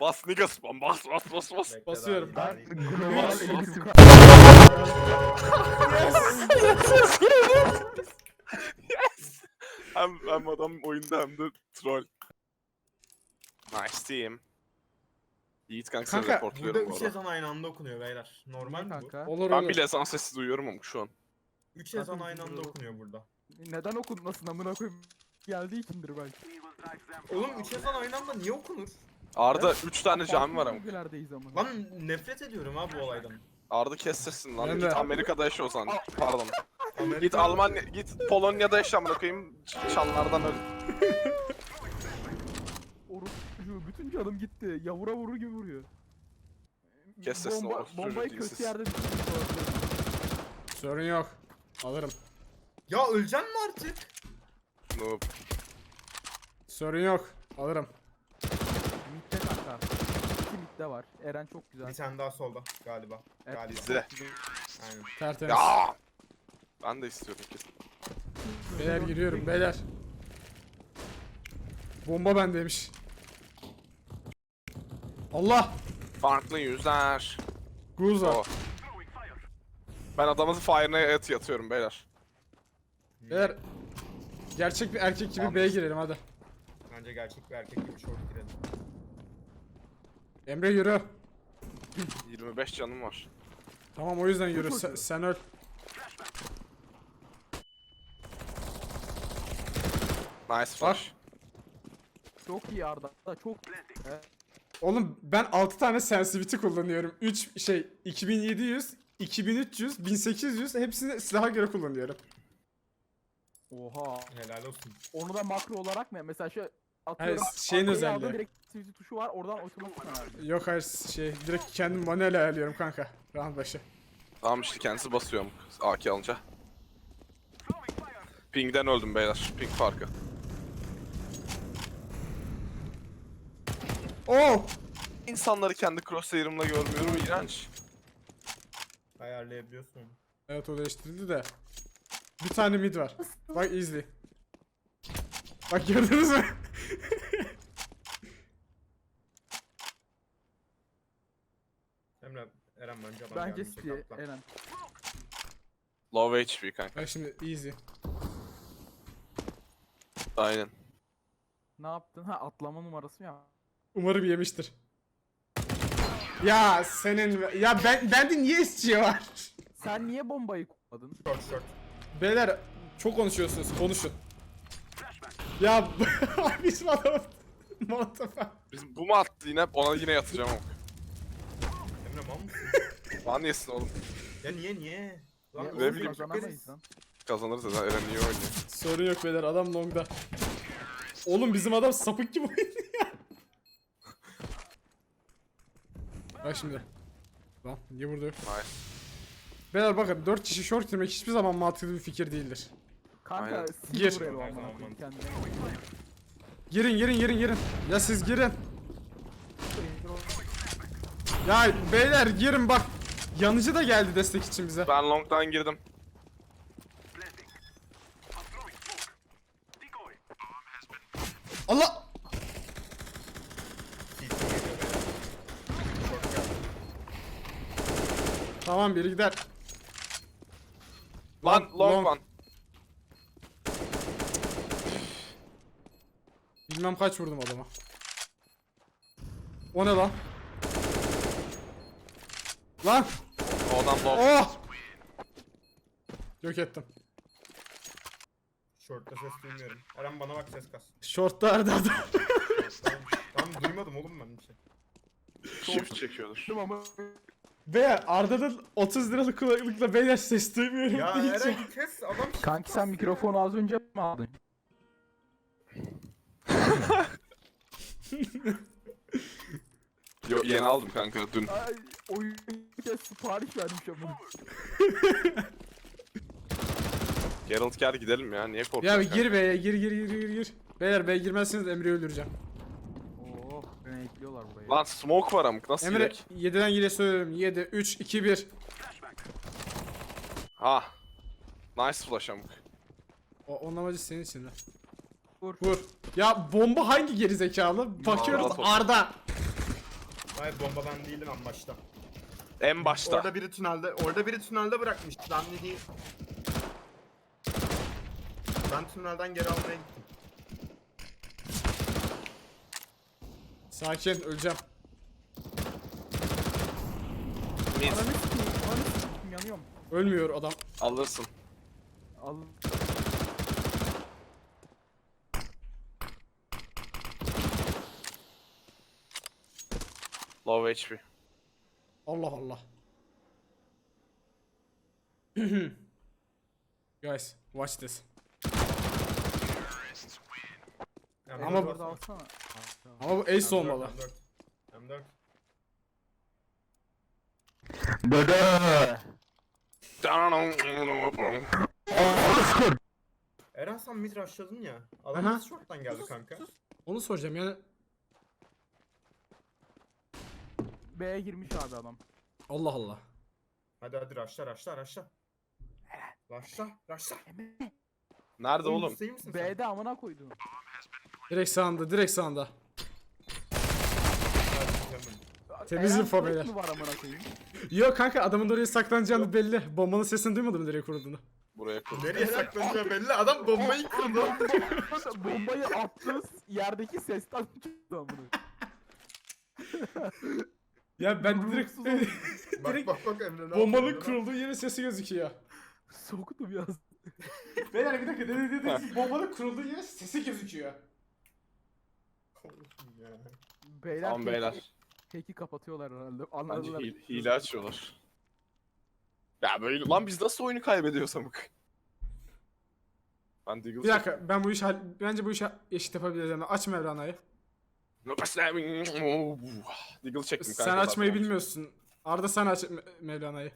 Bas niggas. Bas. Bekle Basıyorum. daha Ben iyi. Global elektrik. Yes. Hem adam oyunda hem de troll. Nice team. Yiğit kanka seni Kanka, Burada reportluyorum bu 3 arada. ezan aynı anda okunuyor beyler. Normal mi bu? Kanka. olur Ben olur. bile ezan sesi duyuyorum ama şu an. 3 ezan Kanka, aynı anda dur. okunuyor burada. Neden okunmasın amına koyayım? Geldiği içindir belki. Oğlum 3 ezan aynı anda niye okunur? Arda 3 tane cami var ama. Bölgelерdeyiz ama. Lan nefret ediyorum ha bu olaydan. Arda kes sesini lan. Ben Git de. Amerika'da yaşa o zaman. Pardon. Amerika... Git Almanya, git Polonya'da yaşa amına koyayım. Çanlardan öl. Orospu bütün canım gitti. Yavura vurur gibi vuruyor. Kes sesini, orospu çocuğu Bombayı dilsiz. kötü yerde düşürdüm. Sorun yok. Alırım. Ya öleceksin mi artık? Noob. Sorun yok. Alırım. Mid'de kanka. İki mid'de var. Eren çok güzel. Bir tane daha solda galiba. Evet, Galiba. Bizde. Aynen. Tertemiz. Ya. Ben de istiyorum ki. Beyler giriyorum beyler. Bomba bendeymiş. Allah! Farklı yüzler. Guza. O. Ben adamın fire'ına yatıyorum beyler. Beyler gerçek bir erkek gibi B'ye girelim hadi. Bence gerçek bir erkek gibi short girelim. Emre yürü. 25 canım var. Tamam o yüzden yürü. Sen öl. Nice flash. Çok iyi Arda. Çok Evet. Oğlum ben 6 tane sensitivity kullanıyorum. 2700, 2300, 1800 hepsini silaha göre kullanıyorum. Oha. Helal olsun. Onu da makro olarak mı? Mesela şu atıyorum. Hayır, şeyin arkayı özelliği. aldın, direkt activity tuşu var. Oradan otomatik ayarlıyor. Yok hayır direkt kendim manuel ayarlıyorum kanka. Round başı. Tamam işte kendisi basıyorum AK alınca. Ping'den öldüm beyler. Ping farkı. Oh! İnsanları kendi crosshair'ımla görmüyorum, iğrenç. Ayarlayabiliyorsun onu. Evet o değiştirildi de. Bir tane mid var. Bak izle. Bak gördünüz mü? Emre, Eren bence adam Bence gelmeyecek, City atla. Eren. Low HP kanka. Bak şimdi easy. Aynen. Ne yaptın? Ha atlama numarası mı ya? Umarım yemiştir. Ya senin ya bende niye SC var? Sen niye bombayı kullandın? Short. Beyler çok konuşuyorsunuz. Konuşun. Ya bizim adam Molotof'a. Biz bu mu attı yine? Ona yine yatacağım ama. Emre mal mısın? Bana yesin oğlum. Ya niye? Lan Ya, ne oğlum, bileyim, kazanamayız lan. Kazanırız ya. Eren niye oynuyor? Sorun yok beyler adam longda. Oğlum bizim adam sapık gibi oynuyor. Bak şimdi. Lan niye burada yok? Nice. Beyler bakın 4 kişi short girmek hiçbir zaman mantıklı bir fikir değildir. Kanka Aynen. Gir. silver el Her olman zaman lazım kendine. Girin. Ya siz girin. Ya beyler girin bak. Yanıcı da geldi destek için bize. Ben long'dan girdim. Allah! CT geliyor beyler. Short geldi. Tamam biri gider. Lan long one. Bilmem kaç vurdum adama. O ne lan? Lan! O adam low. Oh! Yok ettim. Short'ta ses duymuyorum. Eren bana bak, ses kas. Short'ta Arda adam. Tamam duymadım oğlum ben bir şey. Shift çekiyordur. Ama Beyler Arda'nın 30 liralık kulaklıkla beyler ses duymuyorum. Ya diyeceğim. Eren kes adam. kanki sen mikrofonu az önce mi aldın? Yo yeni aldım kanka dün. Ay oyun kez sipariş vermiş ama. Geralt gel gidelim ya. Niye Ya korkuyorsun? bir gir B'ye gir. Beyler B'ye girmezseniz Emre'yi öldüreceğim. Oo beni ekliyorlar buraya. Lan smoke var amk. Nasıl Emre girek? 7'den gire söylüyorum. 7, 3, 2, 1. Ha. Nice flash amk. Onun amacı senin için lan. Vur. Vur. Ya bomba hangi gerizekalı? Bakıyoruz Arda. Arda. Hayır bomba ben değilim en başta. En başta. Orada biri tünelde bırakmış. Ben de değil. Ben tünelden geri almaya gittim. Sakin, öleceğim. Mid. Ananı sikeyim yanıyorum. Ölmüyor adam. Alırsın. Al. Low HP. Allah Allah. Guys, watch this. M4 Ama- Orada alsana. Ama bu ace olmalı. M4. Eren sen mid rushladın ya. Adam Aha. nasıl short'tan geldi kanka? Onu soracağım yani. B'ye girmiş abi adam. Allah Allah. Hadi rushla. Rushla. Nerede oğlum? Hüseyin misin sen? B'de amına koydum. Direkt sağında, direkt sağında. Hadi, Temiz Eren info Fleck beyler. mi var amına koyayım? Yok kanka adamın da oraya saklanacağını belli. Bombanın sesini duymadım nereye kurulduğunu. Buraya kur. nereye saklanacağı belli. Adam bombayı kurdu. Bombayı attı yerdeki sesten çıktı amına. Ya ben direkt bak Emre ne bombanın yapıyor? kurulduğu yerin sesi gözüküyor. Soktum ya. Beyler bir dakika dedi bombanın kurulduğu yerin sesi gözüküyor. Ya. Beyler Tamam beyler. Hack'i kapatıyorlar herhalde. Bence Anladılar. hile açıyorlar. Ya böyle lan biz nasıl oyunu kaybediyoruz amık? Ben Deagle Bir dakika ben bu işi bence bu işi eşit yapabiliriz yani. Aç Mevlana'yı. Deagle çektim kanka. Sen açmayı zaten. bilmiyorsun. Arda sen aç Mevlana'yı.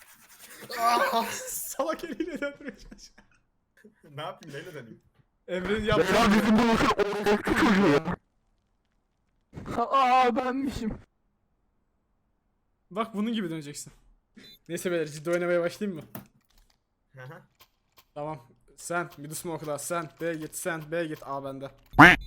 Salak eliyle döndürmeye çalışıyor. Ne yapayım neyle deneyim? Emre'nin yaptığı Aa benmişim. Bak bunun gibi döneceksin. Neyse beyler ciddi oynamaya başlayayım mı? Hı hı. Tamam. Sen mid smoke'la sen B git sen B git A bende.